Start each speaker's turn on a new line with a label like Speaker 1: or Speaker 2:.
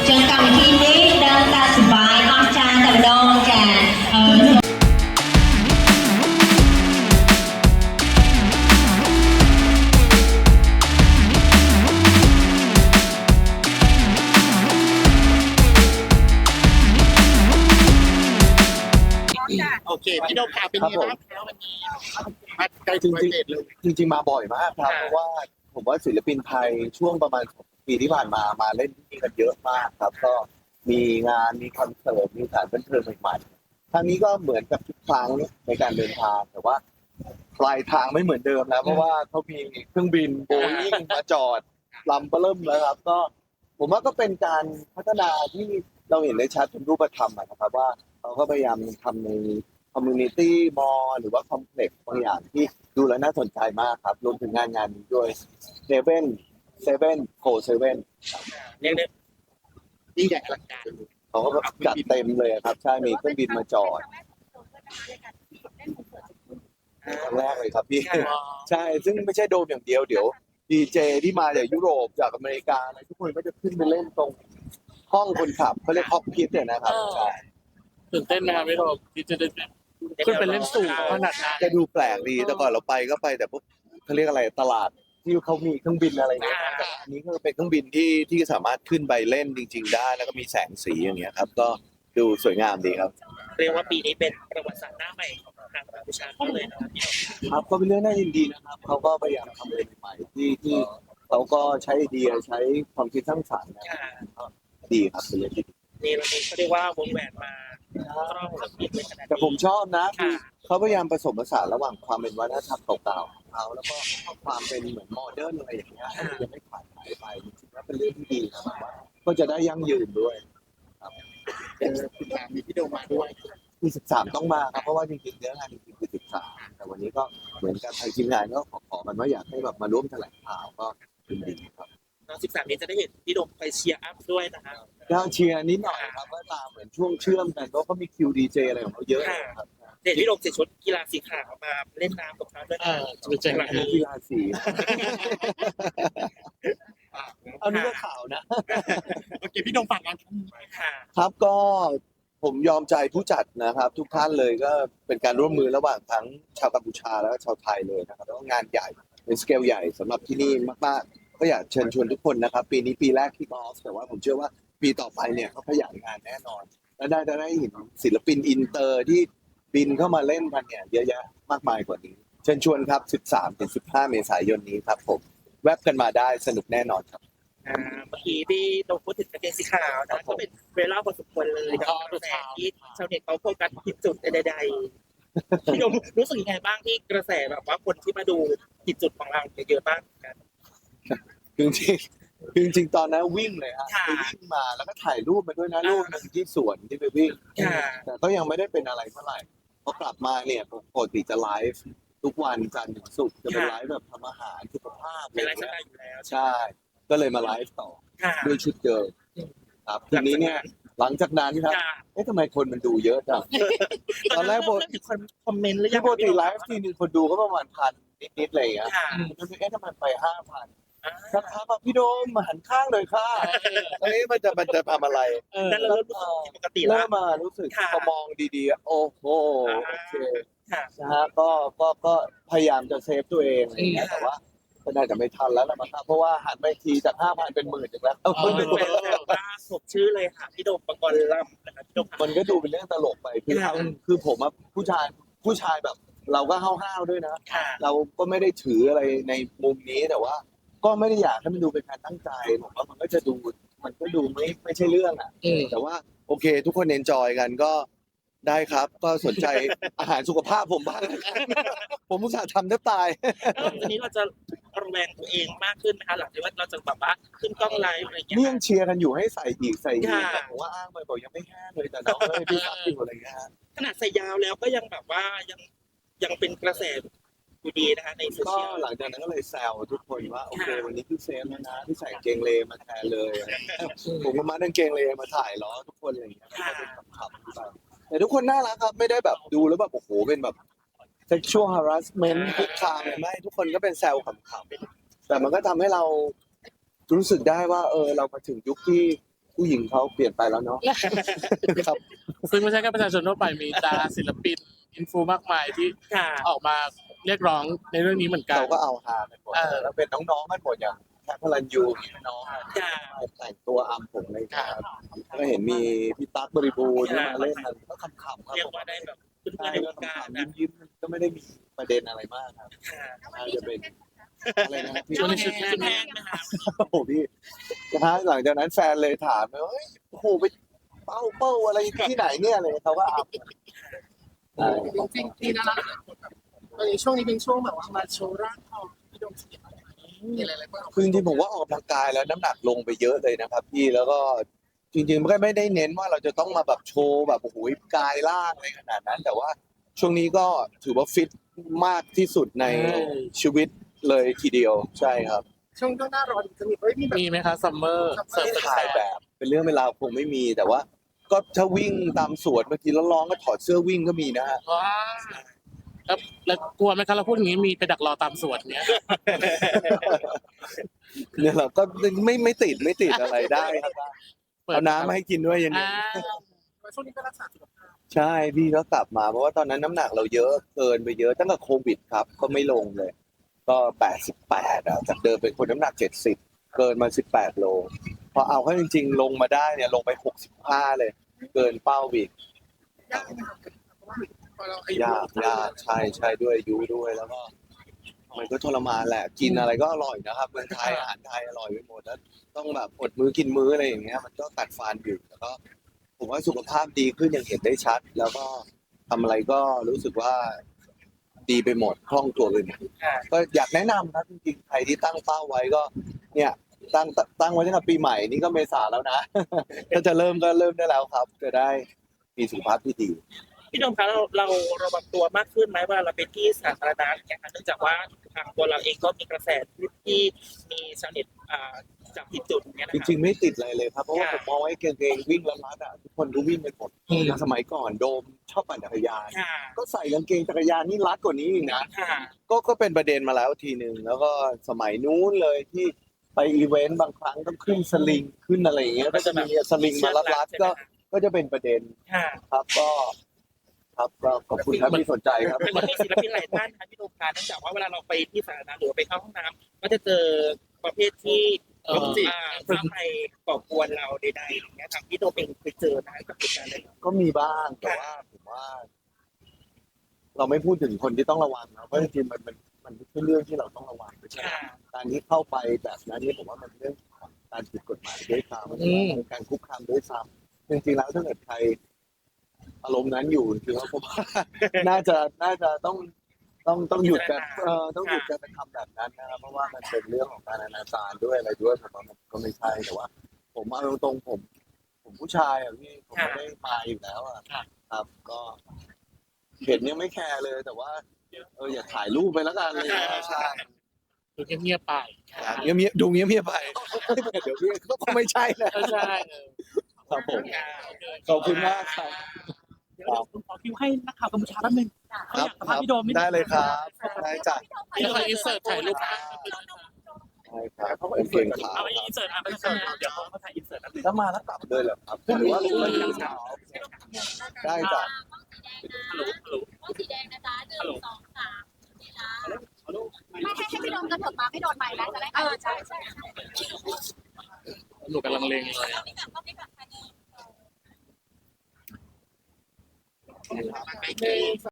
Speaker 1: ចឹងកម្មវិធីនេះដឹងតែសប្បាយអស្ចារ្យតែម្ដងចា
Speaker 2: โอเคพี่โดมพาเป็นยังไงบ้างครับวันนี้มาไกล
Speaker 3: จ
Speaker 2: ถึ
Speaker 3: ริ
Speaker 2: ง
Speaker 3: ง
Speaker 2: ประเทศเลย
Speaker 3: ๆจริงๆมาบ่อยมากครับเพราะว่าผมว่าศิลปินไทยช่วงประมาณปีที่ผ่านมาเล่นที่นี่กันเยอะมากครับก็มีงานมีคอนเสิร์ตมีสถานบันเทิงใหม่ๆครั้งนี้ก็เหมือนกับทุกครั้งในการเดินทางแต่ว่าปลายทางไม่เหมือนเดิมแล้วเพราะว่าเขามีเครื่องบินโบอิ้งมาจอดลำเริ่มแล้วครับก็ผมว่าก็เป็นการพัฒนาที่เราเห็นได้ชัดเป็นรูปธรรมนะครับว่าเขาก็พยายามทำในคอมมูนิตี้มอลหรือว่าคอมเพล็กซ์บางอย่างที่ดูแล้วน่าสนใจมากครับรวมถึงงานนี้ด้วย7โค7
Speaker 2: เรียกได้ยิ่งใหญ่อลังการ
Speaker 3: เขาก็จัดเต็มเลยครับใช่มีเครื่องบินมาจอดครั้งแรกเลยครับพี่ใช่ซึ่งไม่ใช่โดมอย่างเดียวเดี๋ยวดีเจที่มาจากยุโรปจากอเมริกาอะไรทุกคนก็จะขึ้นไปเล่นตรงห้องคนขับเขาเรียกคอกพิทเนี่ยนะครับใช่
Speaker 2: ตื่นเต้นไหมครับพี่โดมที่จะได้ขึ้นไปเล่นสูงขนาดนั้น
Speaker 3: จะดูแปลกดีแต่ก่อนเราไปก็ไปแต่พวกเขาเรียกอะไรตลาดที่เขามีเครื่องบินอะไรเงี้ยแต่อันนี้ก็เป็นเครื่องบินที่สามารถขึ้นไปเล่นจริงๆได้แล้วก็มีแสงสีอย่างเงี้ยครับก็ดูสวยงามดีครับ
Speaker 4: เรียกว่าปีนี้เป็นประวัติศาสตร์หน้าใหม่ของทางกัมพูชาเขาเลยนะครับพี่
Speaker 3: ครับก็เป็นเรื่องน่ายินดีนะครับเขาก็พยายามทำอะไรใหม่ๆที่เขาก็ใช้ไอเดียใช้ความคิดสร้างสรรค์นะก็ดีครับเป็นเรื่องที่ดี
Speaker 4: นี่เราก็เรียกว่าวงแหวนมาครอบเครื่องบินเลยขนาด
Speaker 3: แต่ผม
Speaker 4: นี้
Speaker 3: ชอบนะคือเขาพยายามผสมผสานระหว่างความเป็นวัฒนธรรมเก่าๆของเขาแล้วก็ความเป็นเหมือนโมเดิร์นอะไรอย่างเงี้ยให้มันยังไม่ขาดหายไปจริงๆแล้วเป็นเรื่องที่ดีนะครับว่าก็จะได้ยั่งยืนด้วย
Speaker 2: 13มีพี่โดมมาด้วย
Speaker 3: คือ13ต้องมาครับเพราะว่าจริงๆเนื้องานจริงๆคือ13แต่วันนี้ก็เหมือนกันทางทีมงานก็ขอมันว่าอยากให้แบบมาร่วมแถลงข่าวก็ยินดีครับ
Speaker 4: น้อง13นี้จะได้เห็นพี่โดมไปเชียร์อัพด้วยนะครับ
Speaker 3: ก็เชียร์นิดหน่อยครับก็ตามเหมือนช่วงเชื่อมกันเพราะเขามีคิวดีเจอะไรของเขาเยอะครับ
Speaker 4: เห็นพี่โดมใส่ชุดกีฬาสีขาวมาเล่นน้ำกับเขาด้วยนะ
Speaker 2: จะไปเจอ
Speaker 4: ห
Speaker 2: กั
Speaker 4: ลั
Speaker 2: น
Speaker 4: งนี้
Speaker 3: กีฬาสีเอานี่ก็ข่าวนะ
Speaker 2: โอเคพี่โดมฝากงานทั้ง
Speaker 4: ค่ะ
Speaker 3: ครับก็ผมยอมใจผู้จัดนะครับ ทุกท่านเลยก็เป็นการร่วมมือระหว่างทั้งชาวกัมพูชาแล้วก็ชาวไทยเลยนะครับแล้วก็งานใหญ่เป็นสเกลใหญ่สำหรับที่นี่มากๆก็อยากเชิญชวนทุกคนนะครับ ปีนี้ปีแรกที่ออฟแต่ว่าผมเชื่อว่าปีต่อไปเนี่ยเขาขยายงานแน่นอน และได้เห็นศิลปินอินเตอร์ที่บินเข้ามาเล่นกันเนี่ยเยอะแยะมากมายกว่านี้ เชิญชวนครับ 13-15 เมษายนนี้ครับผมแวบกันมาได้สนุกแน่นอนครับ
Speaker 4: เมื่อกี้ที่โดมพูดถึงประเด็นสีขาวนะก็เป็นเวลาพอสมควรเลยกับกระแสที่ชาวเน็ตเขาโฟกัสผิดจุดใดๆพี่โดมรู้สึกยังไงบ้างที่กระแสแบบว่าคนที่มาดูผิดจุดของเราเยอะมากกัน
Speaker 3: จริงๆตอนนั้นวิ่งเลยฮะ
Speaker 4: ค่ะ
Speaker 3: ไปวิ่งมาแล้วก็ถ่ายรูปมาด้วยนะรูปหนึงที่สวนที่ไปวิ่ง
Speaker 4: ค่ะ
Speaker 3: แต่ก็ยังไม่ได้เป็นอะไรเท่าไหร่พอกลับมาเนี่ยปกติจะไลฟ์ทุกวันจันทร์ถึงศุกร์จะเป็นไลฟ์แบบทำอาหารสุขภาพอะ
Speaker 4: เป็น
Speaker 3: ไร
Speaker 4: ไลฟ์ส
Speaker 3: เงี้
Speaker 4: ไต
Speaker 3: ย
Speaker 4: ล์อยู่แล้ว
Speaker 3: ใช่ ก็เลยมาไลฟ์ต่อ
Speaker 4: ค่ะ
Speaker 3: ด้วยชุดเดิมครับทีนี้เนี่ยหลังจากนั้นครับ
Speaker 4: ค่ะ
Speaker 3: เอ๊ะทำไมคนมันดูเยอะจัง ตอนแรก
Speaker 4: เริ่มถึงคอมเมนต์หรือยั
Speaker 3: ที่
Speaker 4: ง
Speaker 3: ปกติไลฟ์ทีนึงคนดูก็ประมาณพันนิดๆอะไรอย่างเงี้ย
Speaker 4: ค่ะ
Speaker 3: มันเอ๊ะทำไมไป5,000
Speaker 4: อ่า
Speaker 3: สักพักแบบพี่โดมมาหันข้างเลยค่ะเอ๊ะมันจะทำอะไร
Speaker 4: นั่นเราเริ่มรู้สึกผิดปกติแล้
Speaker 3: เริ่
Speaker 4: ว
Speaker 3: มมารู้สึก
Speaker 4: ค่ะ
Speaker 3: พอมองดีๆ โอ้โหโอเค
Speaker 4: ค่ะ
Speaker 3: นะฮะก็พยายามจะเซฟตัวเองอะไรอย่างเงี้ยแต่ว่าก็น่าจะไม่ทันแล้วล่ะมั้งครับเพราะว่าหันไปทีจาก 5,000 เป็น 10,000ถึงแล้ว
Speaker 4: คนเป็นแบบว่าสมชื่อเลยค่ะพี่โดมปกรณ์ลำนะครับพี่โดม
Speaker 3: มันก็ดูเป็นเรื่องตลกไปคือผมอะผู้ชายแบบ เราก็ห้าวๆด้วยนะ
Speaker 4: ค่ะ
Speaker 3: เราก็ไม่ได้ถืออะไรในมุมนี้แต่ว่า ก็ไม่ได้อยากให้มันดูเป็นการตั้งใจผมว่ามันก็ดูไม่ใช่เรื่องอ่ะแต่ว่าโอเค ทุกคนเอนจอยกันก็ได้ครับ ก็สนใจ อาหารสุขภาพผมบ้างนะครับ ผมอุตส่าห์ทำแทบตาย
Speaker 4: แล้วทีนี้เราจะระแวงตัวเองมากขึ้นไหมคะหลังจากว่าเราจะแบบว่าขึ้นกล้องไลฟ์อะไรอย่างเงี้ย
Speaker 3: นี่ยังเชียร์กันอยู่ให้ใส่อีกแต่
Speaker 4: ค่ะ
Speaker 3: ผมว่าอ้างไปบอกยังไม่แห้งเลยแต่น้องเลยพี่ซับอยู่อะไรเงี้ยฮะ
Speaker 4: ขนาดใส่ยาวแล้วก็ยังแบบว่ายังเป็นกระแสอยู่ดีนะคะในโซ
Speaker 3: ก็
Speaker 4: เชียล
Speaker 3: หลังจากนั้นก็เลยแซวทุกคนว่าโอเควันนี้พี่เซฟแล้วนะที่ใส่กางเกงเลมาแทนเลยผมก็มาดังเกงเลมาถ่ายล้อทุกคนอะไรอย่างเงี้ยก็เป็นขำๆไปแต่ทุกคนน่ารักครับไม่ได้แบบดูแล้วแบบโอ้โหเป็นแบบ sexual harassment คุกคามอะไรไม่ทุกคนก็เป็นแซวขำๆแต่มันก็ทำให้เรารู้สึกได้ว่าเรามาถึงยุคที่ผู้หญิงเขาเปลี่ยนไปแล้วเนาะ ครับ
Speaker 2: ซึ่งไม่ใช่แค่ประชาชนทั่วไปมีดาราศิลปินอินฟูมากมายที่
Speaker 4: ค่ะ
Speaker 2: ออกมาเรียกร้องในเรื่องนี้เหมือนกัน
Speaker 3: เราก็เอาฮากันหมดแล้วเป็นน้องๆกันหมดอย่างแคทพลันยูน้อง
Speaker 4: ค่ะ
Speaker 3: แต่งตัวอำผมเลยครับก็เห็นมีพี่ตั๊กบริบูรณ์ที่มาเล่นมันก็ขำๆครับ
Speaker 4: เรียกว่าได้แบบเพื่อนๆในวงการนะ
Speaker 3: ยิ้มๆก็ไม่ได้มีประเด็นอะไรมากครับ
Speaker 4: ค่ะ
Speaker 3: น่าจะเป็นอะไรนะครับพี่
Speaker 2: ช่วงนี้ชุด
Speaker 4: ชุดแพงนะคะ
Speaker 3: โอ้โหพี่นะฮะหลังจากนั้นแฟนเลยถามว่าเฮ้ยโอ้โหไปเป้าอะไรที่ไหนเนี่ยอะไรเขาก็อัพใช่
Speaker 5: จริงๆที่น่ารักตอนนี้ช่วงนี้เป็นช่วงแบบว่ามาโชว์ร่างทองพี่โดมเสียมีอะไรบ้าง
Speaker 3: คือจริงๆผมว่าออกกำลังกายแล้วน้ำหนักลงไปเยอะเลยนะครับพี่แล้วก็จริงๆมันก็ไม่ได้เน้นว่าเราจะต้องมาแบบโชว์แบบโอ้โหกายล่างอะไรขนาดนั้น แต่ว่าช่วงนี้ก็ถือว่าฟิตมากที่สุดในชีวิตเลยทีเดียวใช่ครับ
Speaker 5: ช่วงหน้าร้อนจะมีมีแบบ
Speaker 2: มีไหมคะซัมเมอร์เสิร์ฟ
Speaker 3: ไม่
Speaker 2: เป็น
Speaker 3: ถ่าย
Speaker 2: แฟ
Speaker 3: แบ
Speaker 2: น
Speaker 3: บเป็นเรื่องเวลาวคงไม่มีแต่ว่า ก็ถ้าวิ่งตามสวนบางทีร้อนๆก็ถอดเสื้อวิ่งก็มีนะฮะ
Speaker 2: ว้าแล้วกลัวไหมคะเราพูดอย่างนี้มีไปดักรอตามสวนเนี้ย
Speaker 3: เนี่ยเราก็ไม่ติดอะไรได้ครับเอาน้ำมาให้กินด้วยเย็น
Speaker 2: อ่า
Speaker 5: ช่วงนี้ก็รักษาสุขภาพ
Speaker 3: ๆใช่พี่ก็กลับมาเพราะว่าตอนนั้นน้ำหนักเราเยอะเกินไปเยอะตั้งแต่โควิดครับก็ไม่ลงเลย ก็88จากเดิมเป็นคนน้ำหนัก70เกินมา18โลพอเอาเข้าจริงๆลงมาได้เนี่ยลงไป65เลยเกินเป้าอีก
Speaker 5: ยากไหมครับเพราะว่าพอเราอายุ
Speaker 3: ยากใช่ด้วยอายุด้วยแล้วก็มันก็ทรมานแหละกินอะไรก็อร่อยนะครับเมืองไทยอาหารไทยอร่อยไปหมดแล้วต้องแบบอดมื้อกินมื้ออะไรอย่างเงี้ยมันก็กัดฟันอยู่แล้วก็ผมว่าสุขภาพดีขึ้นอย่างเห็นได้ชัด แล้วก็ทำอะไรก็รู้สึกว่าดีไปหมดคล่องตัวไปหมด
Speaker 4: ค่ะ
Speaker 3: ก็อยากแนะนำครับจริงๆใครที่ตั้งเป้าไว้ก็ เนี่ยตั้งไว้ตั้งแต่ปีใหม่นี่ก็เมษาแล้วนะ ถ้าจะเริ่มก็เริ่มได้แล้วครับ จะได้มีสุขภาพที่ดี
Speaker 4: พี่โดมคะเราระวังตัวมากขึ้นไหมเวลาเราไปที่สาธารณะอย่างเงี้ยค่ะเนื่องจากว่าทางตัวเราเองก็มีกระแสที่มีชาวเน็ตจับผิดจุดอย่างเงี้ยนะ
Speaker 3: จ
Speaker 4: คะ
Speaker 3: ริงๆไม่ติดอะไรเลยครับเพราะว่า
Speaker 4: ค่ะ
Speaker 3: ผมมองว่าไอ้กางเกงวิ่งแล้วรัดอ่ะทุกคนก็วิ่งกันหมดสมัยก่อนโดมชอบปั่นจักรยาน
Speaker 4: ค่ะ
Speaker 3: ก็ใส่กางเกงจักรยานนี่รัดกว่านี้อีกนะ
Speaker 4: ค่ะ
Speaker 3: ก็เป็นประเด็นมาแล้วทีหนึ่งแล้วก็สมัยนู้นเลยที่ไปอีเวนต์บางครั้งต้องขึ้นสลิงขึ้นอะไรอย่างเงี้ยก็จะมีสลิงมารัดๆก็จะเป็นประเด็น
Speaker 4: ค่ะ
Speaker 3: ครับก็ขอบคุณครับที่สนใจครับ
Speaker 4: มันมีศิลปินหลายท่านนะพี่โดมคะเนื่องจากว่าเวลาเราไปที่สาธารณะหรือไปเข้าห้องน้ำก็จะเจอประเภทที่เข้าไปก่อกวนเราใดๆอย่างเงี้ยทางพี่โดมเองเคยเจอนะกับเหตุการณ์นั้น
Speaker 3: ก็มีบ้างแต่ว่าผมว่า เราไม่พูดถึงคนที่ต้องระวังนะเพราะจริงๆมันไม่ใช่เรื่องที่เราต้องระวังไม่ใช่
Speaker 4: ค่ะ
Speaker 3: การที่เข้าไปแบบนั้นนี่ผมว่ามันเป็นเรื่องของการผิดกฎหมายด้วยซ้ำการคุกคามด้วยซ้ำจริงๆแล้วถ้าเกิดใครอารมณ์นั้นอยู่คือว่าผมว่า น่าจะต้องหยุดกันต้องหยุดการกระทำแบบนั้นนะครับเพราะว่ามันเป็นเรื่องของการอนาจารด้วยอะไรด้วยผมว่ามันก็ไม่ใช่แต่ว่า ผมเอาตรงๆผมผู้ชายอ่ะพี่ผมไม่ได้มาอยู่แล้วอ่ะครับก็เห็นยังไม่แคร์เลย แต่ว่าอย่าถ่ายรูปไปแล้วกันเลยใช่
Speaker 2: ดูเงียบๆไป
Speaker 3: เงียบๆดูเงียบๆไปเดี๋ยวพี่ก็คงไม่ใช่นะ
Speaker 2: ก็ใช่
Speaker 3: ครับผมขอบคุณมากครับ
Speaker 5: เดี๋ยวผมขอคิวให้นักข่าวกัมพูชาแป๊บนึง
Speaker 3: ครับ
Speaker 5: สัมภาษณ์พี่โดมนิดนึง
Speaker 3: ได้เลยครับได้จ้ะ
Speaker 2: เดี๋ยวขออินเสิร์ตถ่ายรูป
Speaker 3: ได้ครับผมเก่งขา
Speaker 5: เอาอินเสิร์ตไปเสิร์ตเดี๋ยวเขาถ่ายอินเสิร์ตแป๊บนึง
Speaker 3: ถ้ามาแล้วกลับเลยเหรอครับหรือว่ารู้ว่ายังเช้าได้จ้ะ
Speaker 6: สีแดงนะจ๊ะ1 2 3นี่นะไม่ให้พี่โดมกระเถิบมาไม่โดนไม้แล้วจะได้ใช่ใช่
Speaker 2: หนูกำลังเลงเลย
Speaker 6: ต้องนี้แบบ